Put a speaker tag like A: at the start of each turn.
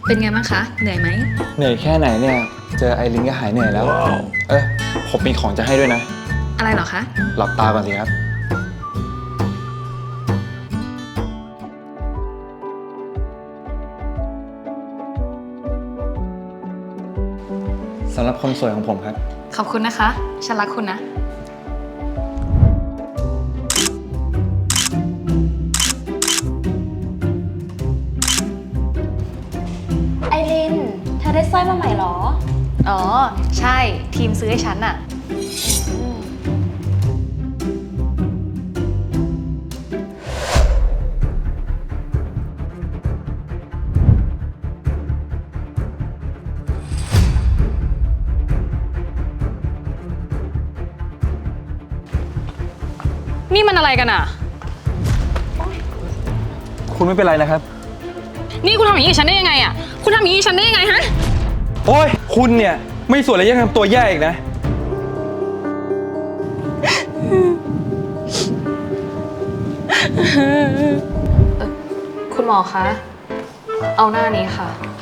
A: เป็นไงบ้างคะ เหนื่อยไหม
B: เหนื่อยแค่ไหนเนี่ย เจอไอรินก็หายเหนื่อยแล้ว ผมมีของจะให้ด้วยนะ
A: อะไรเหรอคะ
B: หลับตาก่อนสิครับ สำหรับคนสวยของผมครับ
A: ขอบคุณนะคะ ฉันรักคุณนะ
C: ไอริน เธอได้สร้อยมาใหม่เหรอ
A: อ๋อ ใช่ ทีมซื้อให้ฉันอะนี่มันอะไรกันอะ
B: คุณไม่เป็นไรนะครับ
A: นี่คุณทำอย่างนี้กับฉันได้ยังไงอะคุณทำอย่างนี้กับฉันได้ยังไงฮะ
B: โอ้ย คุณเนี่ยไม่สวยเลยยังทำตัวแย่อีกนะ
A: คุณหมอคะ เอาหน้านี้ค่ะ